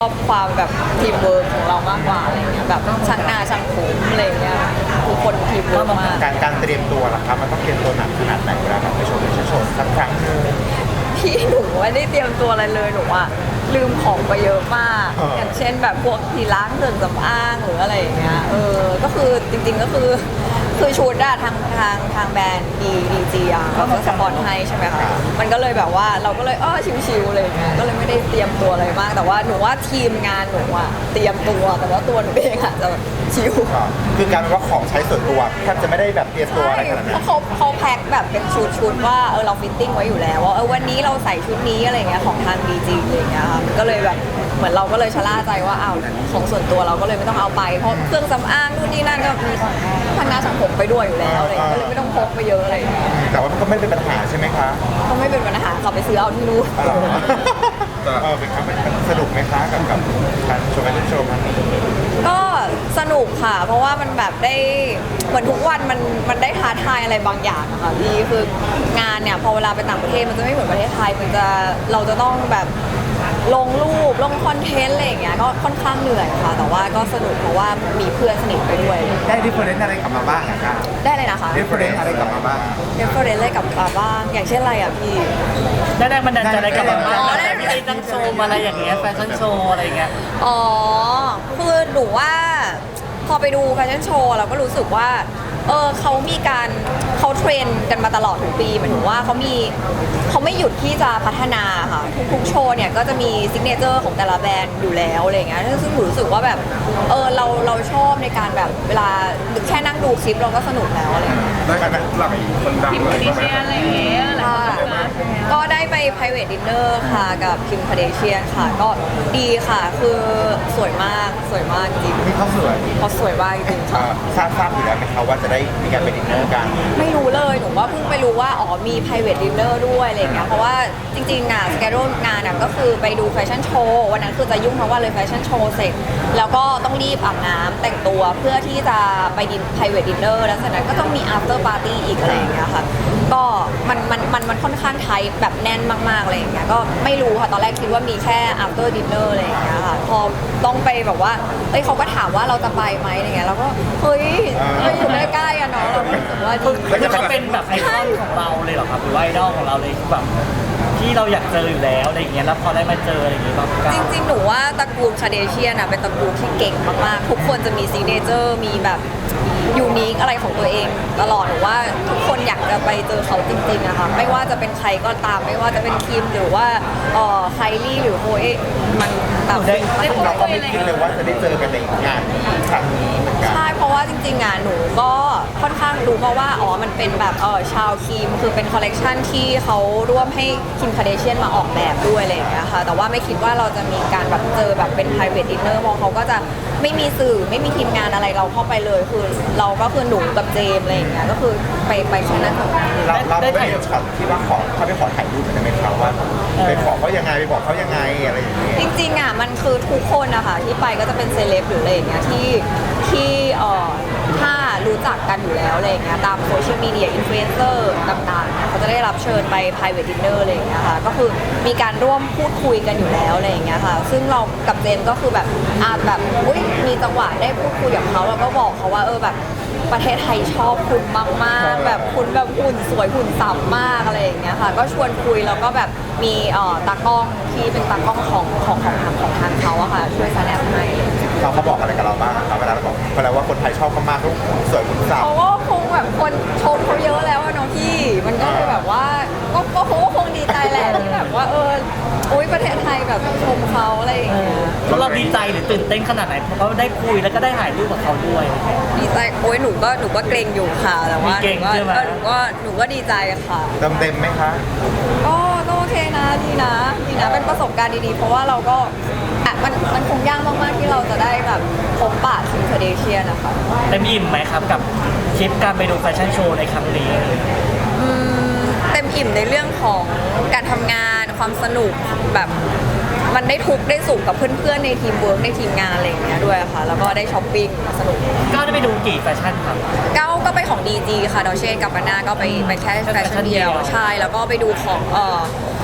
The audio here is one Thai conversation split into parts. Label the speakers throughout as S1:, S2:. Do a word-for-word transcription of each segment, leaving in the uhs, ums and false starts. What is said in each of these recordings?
S1: ชอบความแบบทีมเวิร์กของเรามากกว่าอะไรเงี้ยแบบช่างหน้าช่างผมอะไรเงี้ยทุกคนทีมเวิร์กมาก
S2: การการเตรียมตัวล่ะครับมันต้องเตรียมตัวหนักขนาดไหนเวลาแบบไปโชว์ไปโชว์สักครั้งหนึง
S1: พี่หนูไม่ได้เตรียมตัวอะไรเลยหนูอะลืมของไปเยอะมากอย่างเช่นแบบพวกที่ล้างเครื่องสำอางหรืออะไรอย่างเงี้ยเออก็คือจริงๆก็คือคือชุดอะทางทางทางแบรนด์ดีดีจีอะเขาก็สปอนให้ใช่ไหมคะมันก็เลยแบบว่าเราก็เลยอ้อชิวๆเลยเงี้ยก็เลยไม่ได้เตรียมตัวอะไรมากแต่ว่าหนูว่าทีมงานหนูอะเตรียมตัวแต่ว่าตัวหนูเองอะจะแบบชิว
S2: คือการว่าของใช้ส่วนตัวแทบจะไม่ได้แบบเตรียมตัวอะไรขนาดนั้น
S1: เพราะเขาเขาแพ็คแบบเป็นชุดชุดว่าเออเราฟิตติ้งไว้อยู่แล้วว่าเออวันนี้เราใส่ชุดนี้อะไรเงี้ยของทางดีจีอะไรเงี้ยค่ะมันก็เลยแบบเหมือนเราก็เลยชะล่าใจว่าอ้าวของส่วนตัวเราก็เลยไม่ต้องเอาไปเพราะเครื่องสำอางนู่นนี่นั่นก็มีทางหน้าช่างผมไปด้วยอยู่แล้วอะไรก็เลยไม่ต้องพกไปเยอะอะไรอย่างเงี้ย
S2: แต่ว่ามันก็ไม่เป็นปัญหาใช่ไหมคะ
S1: ก็ไม่เป็นปัญหาขับไปซื้อเอาที่นู่น
S2: เออเป็นครับมันสนุกไหมคะกับกับการโชว์แฟชั่นโชว์ครั้งนี้
S1: ก็สนุกค่ะเพราะว่ามันแบบได้เหมือนทุกวันมันมันได้ท้าทายอะไรบางอย่างอะค่ะพี่คืองานเนี่ยพอเวลาไปต่างประเทศมันจะไม่เหมือนประเทศไทยมันจะเราจะต้องแบบลงรูปลงคอนเทนต์อะไรอย่างเงี้ยก็ค่อนข้างเหนื่อยค่ะแต่ว่าก็สนุกเพราะว่ามีเพื่อนสนิทไปด้วย
S2: ได้ดิฟเฟอเรนซ์อะไรกลับมาบ้างคะ
S1: ได้เลยนะคะ
S2: ดิฟเฟอเรนซ์อะไรกลับมาบ้าง
S1: ดิฟเฟอเรนซ์อะไรกลับมาบ้างอย่างเช่นอะไรอ่ะพี่
S3: ได้แรงบันดาลใจอะไรกลับมาบ้างแต่ไม่ได้ตั้งโชว์อะไรอย่างเงี้ยแฟชั่นโชว์อะไรอย่างเงี้ย
S1: อ๋อคือหนูว่าพอไปดูแฟชั่นโชว์เราก็รู้สึกว่าเออเขามีการเขาเทรนกันมาตลอดทุกปีหมายถึงว่าเขามีเขาไม่หยุดที่จะพัฒนาค่ะทุกๆโชว์เนี่ยก็จะมีซิกเนเจอร์ของแต่ละแบรนด์อยู่แล้วอะไรเงี้ยซึ่งหนูรู้สึกว่าแบบเออเราเราชอบในการแบบเวลาแค่นั่งดูคลิปเราก็สนุกแล้วอะไรเงี้ย
S2: ได้ไหมหลักคนดังเลย
S1: อะไรอย่างเงี้ยก็ได้ไป private dinner ค่ะกับคิมคาเดเชียนค่ะก็ดีค่ะคือสวยมากสวยมากจริง
S2: นี่เขาสวย
S1: เขาสวยมากจริงค่ะ
S2: ทราบทราบอยู่แล้วไหมคะว่าจะได้มีการไปดินเนอร์กัน
S1: ไม่รู้เลยหนูว่าเพิ่งไปรู้ว่าอ๋อมี private dinner ด้วยอะไรอย่างเงี้ยเพราะว่าจริงๆอ่ะสเกจงานอ่ะก็คือไปดูแฟชั่นโชว์วันนั้นคือจะยุ่งทั้งวันเลยแฟชั่นโชว์เสร็จแล้วก็ต้องรีบอาบน้ำแต่งตัวเพื่อที่จะไปดิน private dinner แล้วจากนั้นก็ต้องมี after party อีกอะไรอย่างเงี้ยค่ะก็มันมันมันมันค่อนข้างไทยแบบแน่นมากๆอะไรอย่างเงี้ยก็ไม่รู้ค่ะตอนแรกคิดว่ามีแค่ after dinner อะไรอย่างเงี้ยค่ะพอต้องไปแบบว่าเอ้ยเขาก็ถามว่าเราจะไปไหมอะไรเงี้ยแล้วก็เฮ้ยเราอยู่ใกล้ๆอะเนาะเรารู้สึกว่าดี
S3: คือเขาเป็นแบบไอคอนของเราเลยเหรอครับหรือว่าไอดอลของเราเลยแบบที่เราอยากเจออยู่แล้วอะไรอย่างเงี้ยแล้วพอได้มาเจออะไรอย่างเงี้ยบาง
S1: จริงๆหนูว่าตระกูลคาเดเชียนเป็นตระกูลที่เก่งมากๆทุกคนจะมีซิกเนเจอร์มีแบบยูนิคอะไรของตัวเองตลอดหนูว่าทุกคนอยากจะไปเจอเขาจริงๆอะค่ะไม่ว่าจะเป็นใครก็ตามไม่ว่าจะเป็นคิมหรือว่าเอ่อไคลี่หรือโฮเอมันแบบ
S2: เราก็ไม่คิดเลยว่าจะได้เจอกันในงานครั้งนี้เหมือนกัน
S1: ใช่เพราะว่าจริงๆอะหนูก็ค่อนข้างรู้มาว่าอ๋อมันเป็นแบบเออชาวคิมคือเป็นคอลเลกชันที่เขาร่วมให้คิมคาเดเชียนมาออกแบบด้วยอะไรอย่างเงี้ยค่ะแต่ว่าไม่คิดว่าเราจะมีการแบบเจอแบบเป็น private dinner มองเขาก็จะไม่มีสื่อไม่มีทีมงานอะไรเราเข้าไปเลยคือเราก็คือหนูกับเจมอะไรอย่างเงี้ยก็คือไปไปแค่นั้น
S2: เราเราได้ถ่ายช็อตที่ว่าขอเขาไปขอถ่ายรูปกันได้ไหมครับว่าไปขอเขายังไงไปบอกเขายังไงอะไรอย่างเงี้ย
S1: จริงๆอ่ะมันคือทุกคนนะคะที่ไปก็จะเป็นเซเลบหรืออะไรอย่างเงี้ยที่ที่เอ่อถ้ารู้จักกันอยู่แล้วอะไรอย่างเงี้ยตามโซเชียลมีเดียอินฟลูเอนเซอร์ต่างๆเขาจะได้รับเชิญไป private dinner อะไรอย่างเงี้ยค่ะก็คือมีการร่วมพูดคุยกันอยู่แล้วอะไรอย่างเงี้ยค่ะซึ่งเรากับเจมก็คือแบบอาจแบบอุ้ยมีจังหวะได้พูดคุยกับเขาแล้วก็บอกเขาว่าเออแบบประเทศไทยชอบคุณมากๆแบบคุณแบบหุ่นสวยหุ่นสับมากอะไรอย่างเงี้ยค่ะก็ชวนคุยแล้วก็แบบมีเอ่อตากล้องที่เป็นตากล้องของของของทางของทางเขาอะค่ะช่วยแสดงให้
S2: เราเขาบอกอะไรกับเราบ้างครับเวลาเราบอกเวลาว่าคนไทยชอบเขามากเขาสวยหุ่นสับ
S1: เขาก็คงแบบคนชมเขาเยอะแล้วอะเนาะพี่มันก็เลยแบบว่าก็ก็คงคงดีใจแหละที่แบบว่าเอออุ้ยประเทศไทยแบบชมเขาอะไรอย่างเงี้ย
S3: แล้วเราดีใจหรือตื่นเต้นขนาดไหนเพราะเขาได้คุยแล้วก็ได้ถ่ายรูปกับเขาด้วย
S1: ดีใจโอ้ยหนูก็หนูก็เกรงอยู่ค่ะแต่ว่าหนูก็หนูก็หนูก็ดีใจค่ะ
S2: เต็มเต็มไหมคะ
S1: ก็ก็โอเคนะดีนะดีนะเป็นประสบการณ์ดีๆเพราะว่าเราก็อ่ะมันมันคงยากมากๆที่เราจะได้แบบพบปะคิมคาเดเชียนนะคะ
S3: เต็มอิ่มไหมครับกับทริปการไปดูแฟชั่นโชว์ในครั้งนี้
S1: อืมเต็มอิ่มในเรื่องของการทำงานความสนุกแบบมันได้ทุกได้สุขกับเพื่อนๆในทีมเวิร์กในทีมงานอะไรอย่างเงี้ยด้วยค่ะแล้วก็ได้ช้อปปิ้งสนุก
S3: ก็ได้ไปดูกี่แฟชั่นครับ
S1: เก้าก็ไปของ ดี จี ค่ะดอเช่กับปาน่าก็ไปไปแค่แฟชั่นเดียวใช่แล้วก็ไปดูของเอ่อ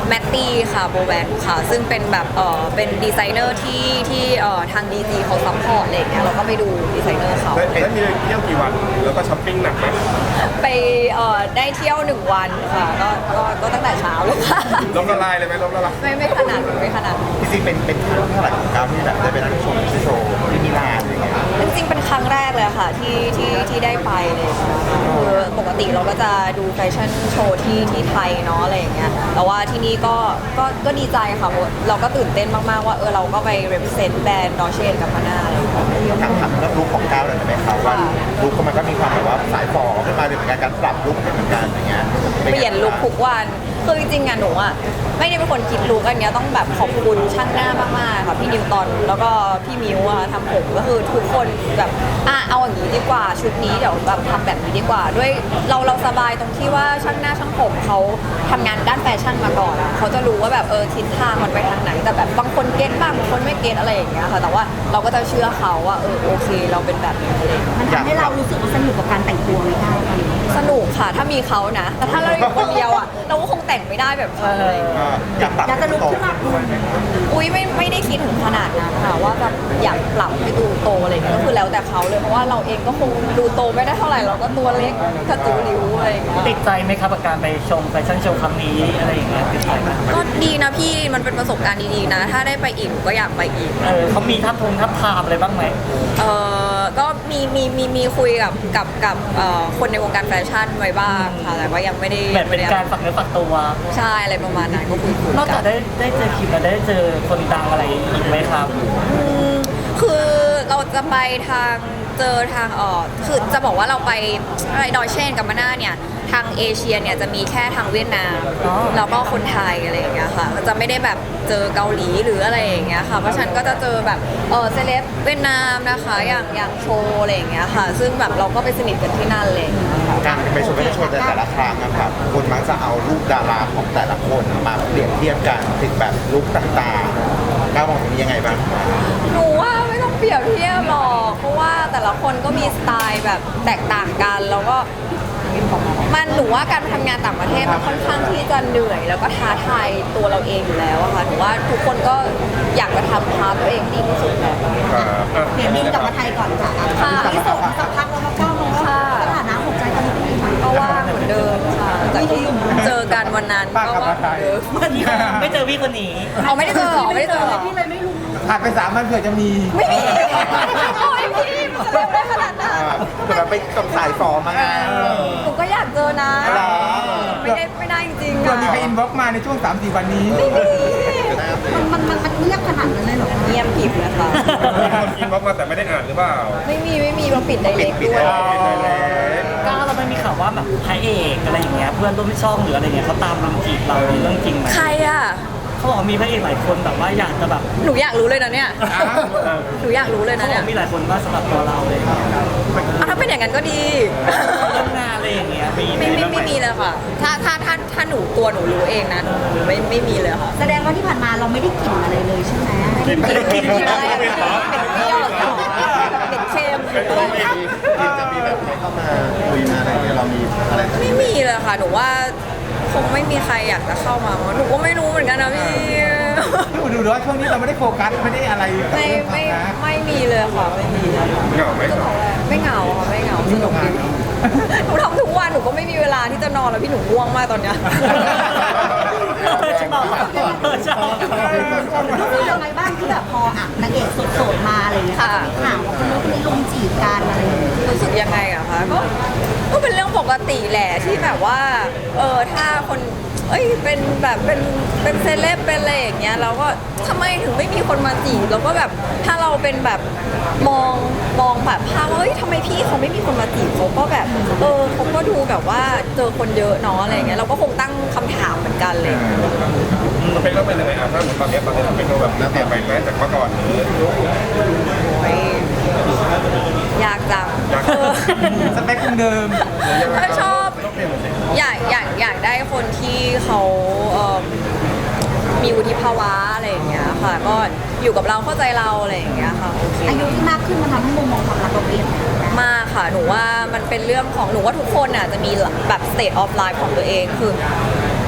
S1: แมตตี้ค่ะโบแวนค่ะซึ่งเป็นแบบเออเป็นดีไซเนอร์ที่ที่เออทางดีจีเขาซัพพอร์ตอะไรอย่างเงี้ยเราก็ไปดูดีไซเนอร์เขา
S4: แล้วแล้วมีเที่ยวกี่วันแล้วก็ช้อปปิ้งหนักไหม
S1: ไปเออได้เที่ยวหนึ่งวันค่ะก็ก็ก็ตั้งแต่เช้าเลยค่ะ
S4: ล้มละลายเลยไหมล้มละลาย
S1: ไม่ไม่ขนาดนั้นไม่ขนาดนั้น
S2: จริงๆเป็นเป็นครั้งเท่าไหร่ของก้าวที่แบบได้ไปนั่งชมโชว์ที่มิลานอะไรเงี้ย
S1: จริงๆเป็นครั้งแรกเลยค่ะที่ที่ที่ได้ไปเลยค่ะคือปกติเราก็จะดูแฟชั่นโชว์ที่ที่ไทยเนาะอะไรอย่างเงี้ยแต่ว่าที่นี่ก็ก็ก็ดีใจค่ะเพราะเราก็ตื่นเต้นมากๆว่าเออเราก็ไป represent แบรนด์ดอเชนกับพาน่าอะไรอย่างเงี้ย
S2: ถามถามเรื่องลุคของก้าวหน่อยได้ไหมครับว่าลุคมันก็มีความแบบว่าสายฟอขึ้นมาเลยเหมือนกันการปรับลุคเหมือนกันอย่างเงี้ย
S1: เปลี่ยนลุคทุกวันคือจริงๆอะหนูอะไม่ได้เป็นคนคิดลุคอันเนี้ยต้องแบบขอบคุณช่างหน้ามากๆค่ะพี่นิวตอนแล้วก็พี่มิวอะทำผมก็คือทุกคนแบบอ่ะเอาอย่างนี้ดีกว่าชุดนี้เดี๋ยวแบบทำแบบนี้ดีกว่า ด้วยเราเราสบายตรงที่ว่าช่างหน้าช่างผมเขาทำงานด้านแฟชั่นมาก่อนอะเขาจะรู้ว่าแบบเออทิศทางมันไปทางไหนแต่แบบบางคนเก็ตบ้างบางคนไม่เก็ตอะไรอย่างเงี้ยค่ะแต่ว่าเราก็จะเชื่อเขาว่าเออโอเคเราเป็นแบบนี้อะไรอย่างเงี้ย
S5: มันทำให้เรารู้สึกว่าสนุกกับการแต่งตัวไหมคะ
S1: สนุกค่ะถ้ามีเขานะ แต่ถ้าเราอยู่คนเดียวอ่ะ เราก็คงแต่งไม่ได้แบบเขาเลย
S2: อยากปรับ
S5: อยากจะลุกขึ้นมาคุณ
S1: อุ้ยไม่ไม่ได้คิดถึงขนาดนั้นค่ะว่าแบบอยากปรับให้ดูโตอะไรอย่างเงี้ยก็คือแล้วแต่เขาเลยเพราะว่าเราเองก็คงดูโตไม่ได้เท่าไหร่เราก็ตัวเล็กกระตูริ้วอะไรอย่างเงี้ย
S3: ติดใจไหมครับกับการไปชมแฟชั่นโชว์ครั้งนี้อะไรอย่างเงี้ยติดใจไหม
S1: ก็ดีนะพี่มันเป็นประสบการณ์ดีๆนะ ถ้าได้ไปอีกก็อยากไปอีก
S3: เออเขามีทับทงทับทามอะไรบ้างไหม
S1: เออก็มีมีมีมีคุยกับกับกับเอ่อคนในวงการแฟชั่นไว้บ้างค่ะแต่ว่ายังไม่ได้
S3: แบบเป็นการฝักเนื้อฝักตัว
S1: ใช่อะไรประมาณนั้นก็คุยคุย
S3: นอกจากได้ได้เจอคิมแล้วได้เจอคนดังอะไรอีกไหมครับ
S1: อืมคือเราจะไปทางเจอทางเออคือจะบอกว่าเราไปอะไรดอยเชนกับมาน่าเนี่ยทางเอเชียเนี่ยจะมีแค่ทางเวียดนาม
S3: อ๋อ
S1: แล้วก็คนไทยอะไรอย่างเงี้ยค่ะจะไม่ได้แบบเจอเกาหลีหรืออะไรอย่างเงี้ยค่ะเพราะฉะนันก็จะเจอแบบเออเซเลบเวียดนามนะคะอย่างอย่างโชว์อะไรอย่างเงี้ยค่ะ ซึ่งแบบเราก็ไปสนิทกันที่นั่นเลย
S2: การไปชมไปชมแต่ละครั้งนะครับคนมักจะเอารูปดาราของแต่ละคนมาเปรียบเทียบกันถึงแบบลุคต่างๆก้าวมองตรงนี้ยังไงบ้าง
S1: หนูว่าไม่ต้องเปรียบเทียบหรอกเพราะว่าแต่ละคนก็มีสไตล์แบบแตกต่างกันแล้วก็มันหนูว่าการไปทำงานต่างประเทศมันค่อนข้างที่จะเหนื่อย แล้วก็ท้าทายตัวเราเองอยู่แล้วอะค่ะหนูว่าทุกคนก็อยากจะทำพาร์ทตัวเองให้ดีที่สุดแหละ
S5: เดี๋ยวบินกลับมาไทยก่อนค่ะ
S1: ค่ะ
S5: ที่ส่งสักพักแล้วก็ก้าวลงว่า
S1: ค่ะ
S5: สถานะหัวใจตอนนี้เป็นยังไง
S1: ก็ว่างเหมือนเดิมค่ะจากที่เจอกันวันนั้นก็ว่างเหมือนเดิม
S3: ไม่เจอพี่คนนี้
S1: เอาไม่ได้เจอเหรอไม่ได้เจอเหรอ
S5: พี่เลยไม่รู้
S2: ผ่านไปสามวันเผื่อจะมี
S1: ไม่มีโอ้ยพี่มันจะเร็วได้ขนาดนั้น
S2: เผื่อไปส่งสายฟอมาไง
S1: หนูก็อยากเจอนะ
S2: เหรอ
S1: ไม่ได้ไม่ได้จริงๆ
S6: เผื่อ
S1: อะ
S6: มีใครอินบ็อกซ์มาในช่วง สามสี่ วันนี้
S5: มันมันมันเงียบขนาดนั้นเลยเหรอ
S1: เงียบผิดนะคะ
S4: มีคนอินบ็อกซ์มาแต่ไม่ได้อ่านหรือเปล่า
S1: ไม่มีไม่มีเราปิดไดเรก
S2: ปิด
S1: ด้วย
S2: ปิดไดเรก
S3: ก้าวเราไม่มีข่าวว่าแบบพระเอกอะไรอย่างเงี้ยเพื่อนร่วมช่องหรืออะไรเงี้ยเขาตามรุมจีบเราเรื่องจริงไหม
S1: ใครอ่ะ
S3: เขาบอกว่ามีพระเอกหลายคนแบบว่าอยากจะแบบ
S1: หนูอยากรู้เลยนะเนี่ย
S3: เออ
S1: หนูอยากรู้เลย
S3: เขา
S1: นะ
S3: บอ
S1: เนี่
S3: ก
S1: ย
S3: มีหลายคนว่าสำหรับตัวเราเลย
S1: อ่ะถ้าเป็นอย่างนั้นก็ดี
S3: เรื่องงานอะไรอย่างเงี้ยมี
S1: ไม่ไม่
S3: บ้างห
S1: ไม่มีเลยค่ะ ถ้าถ้าถ้าถ้าหนูตัวหนูรู้เองนะหนูหนูไม่ไม่มีเลยค่ะ
S5: แสดงว่าที่ผ่านมาเราไม่ได้กลิ่นอะไรเลยใช่ไหม
S1: กินกินกินอะไรอะเป็ดเปรี้ยวเหรอเป็ดเค็มหรืออะไร
S2: ทีมจะมีแบบใครเข้ามาคุยมาอะไรเงี้ยเรามีอะไร
S1: ไม่มีเลยค่ะ หนูว่าคงไม่มีใครอยากจะเข้ามาเพราะหนูก็ไม่รู้เหมือนกันนะพี่
S6: ดูดูดูว่าช่วงนี้เราไม่ได้โฟกัสไม่ได้อะไรกับ
S1: ไม่
S6: เรื่องควา
S1: ไม่
S6: มรัก
S1: ไม่มีเลยค่ะไม่มีเลยค่ะ
S4: เหงาไหม
S1: ไม่เหงาค่ะไม่เหงาสนุกดีหนูทำทุกวันหนูก็ไม่มีเวลาที่จะนอนแล้วพี่หนูง่วงมากตอนเนี้ย
S3: เออชอบเออชอบ
S5: รู้สึกยังไงบ้างที่แบบพออ่ะนางเอกโสดๆมาอะไรอย่างเงี้ย
S1: ค่ะ
S5: มีข่าวว่าคนนู้นคนนี้ลุมจีบกันอะไรอย่างเงี้ย
S1: รู้สึกยังไงอะคะก็ก็เป็นเรื่องปกติแหละที่แบบว่าเออถ้าคนเอ้ยเป็นแบบเป็นเป็นเซเลบเป็นอะไรอย่างเงี้ยเราก็ทำไมถึงไม่มีคนมาจีบเราก็แบบถ้าเราเป็นแบบมองมองแบบภาพว่าเฮ้ยทำไมพี่เขาไม่มีคนมาจีบเขาก็แบบเออเขาก็ดูแบบว่าเจอคนเยอะเนาะอะไรอย่างเงี้ยเราก็คงตั้งคำถามเหมือนกันเลย
S4: มันเป็นเรื่องเป็นยังไงอ่ะถ้าเหมือนตอนนี้ตอนนี้เราเป็นแบบน่าเปลี่ยนไปไหมจากเมื่อก่อนหรือ
S1: โอ้ยยากจังเออ
S6: สเปคคงเดิม
S1: ถ้าชอบ
S4: ต้องเปลี่ยนสิ
S1: อยากอยากอยากได้คนที่เขาเอิ่มมีวุฒิภาวะอะไรอย่างเงี้ยค่ะ ก็อยู่กับเราเข้าใจเราอะไรอย่างเงี้ยค่ะโอเค
S5: อายุที่มากขึ้นมันทำให้มุมมองความรักเราเปลี่ยนไปไหม
S1: มากค่ะหนูว่ามันเป็นเรื่องของหนูว่าทุกคนอ่ะจะมีแบบ state of life ของตัวเองคือค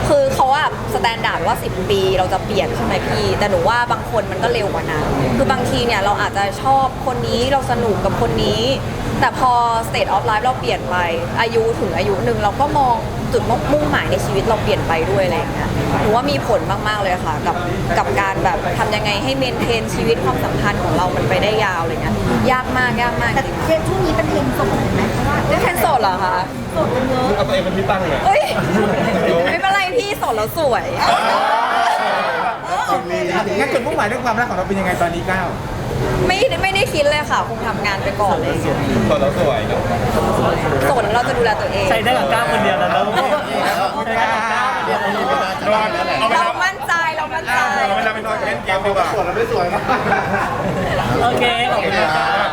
S1: คือเขาอะสแตนดาร์ดว่าสิบปีเราจะเปลี่ยนใช่ไหมพี่ แต่หนูว่าบางคนมันก็เร็วกว่านั้นคือบางทีเนี่ยเราอาจจะชอบคนนี้เราสนุกกับคนนี้ แต่พอ state of life เราเปลี่ยนไปอายุถึงอายุหนึ่งเราก็มองจุดมุ่งหมายในชีวิตเราเปลี่ยนไปด้วยอะไรอย่างเงี้ยหนูว่ามีผลมากๆเลยค่ะกับกับการแบบทำยังไงให้เมนเทนชีวิตความสัมพันธ์ของเรามันไปได้ยาวอะไรเงี้ยยากมากยากมาก
S5: แต่
S1: จริง
S5: เทรนด์ช่วงนี้เป็นเทรนด์โสดเห็นไหมเพราะว่า
S1: ๆนี่แทนโสดเหรอคะ
S5: โสดกันเยอะ
S4: เอาตัวเองเป็นที่ตั้งเลย
S1: เอ้ยไม่เป็นไรพี่โสดแล้วสวย
S6: งั้นจุดมุ่งหมายเรื่องความรักของเราเป็นยังไงตอนนี้ก้าว
S1: ไม่ไม่ได้คิดเลยค่ะคงทำงานไปก่อนเลย
S4: ตอนเราสวยเนาะ
S1: โสดแล้วเราจะดูแลตัวเอง
S3: ใช้ได้กับก้าวคนเดียวแล้วนะลูกใช้ได้กับก้าวคนเดียวแล้วลูก
S4: นอนเอาไป
S1: เรามั่นใจเรามั่นใจ
S4: เอาเวลาไปนอนเล่นเกมดีกว่า
S3: โอเคขอบคุณครับ